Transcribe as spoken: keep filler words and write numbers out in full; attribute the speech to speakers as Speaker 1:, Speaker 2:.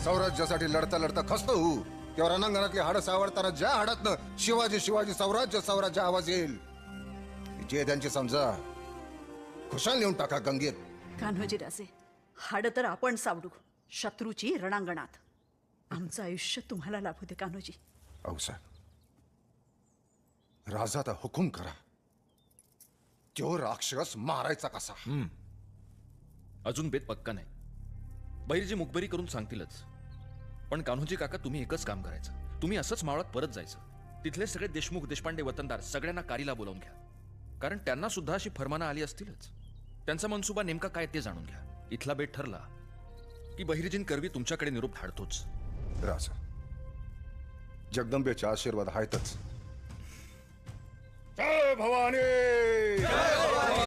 Speaker 1: स्वराज्यासाठी लढता लढता खस्त होऊ तेव्हा रणांगणातली हाडं सावरताना ज्या हाडातनं शिवाजी शिवाजी स्वराज्य स्वराज्य आवाज येईल जे त्यांची समजा खुशाल नेऊन टाका गंगेत.
Speaker 2: कान्होजी राजे, हाड तर आपण सावडू शत्रूची रणांगणात. आमचं आयुष्य तुम्हाला लाभू दे कान्होजी.
Speaker 1: औसा राजाचा हुकूम करा. तो राक्षस मारायचा कसा?
Speaker 3: अजून बेत पक्का नाही. बहिर्जी मुखबरी करून सांगतीलच. पण कान्होजी काका, तुम्ही एकच काम करायचं. तुम्ही असंच मावळात परत जायचं. तिथले सगळे देशमुख देशपांडे वतनदार सगळ्यांना कारीला बोलावून घ्या. कारण त्यांना सुद्धा अशी फरमानं आली असतीलच. त्यांचा मनसुबा नेमका काय ते जाणून घ्या. इथला बेट ठरला की बहिर्जीन करवी तुमच्याकडे निरोप धाडतोच.
Speaker 1: राजा, जगदंबेचे आशीर्वाद आहेतच. जय भवानी.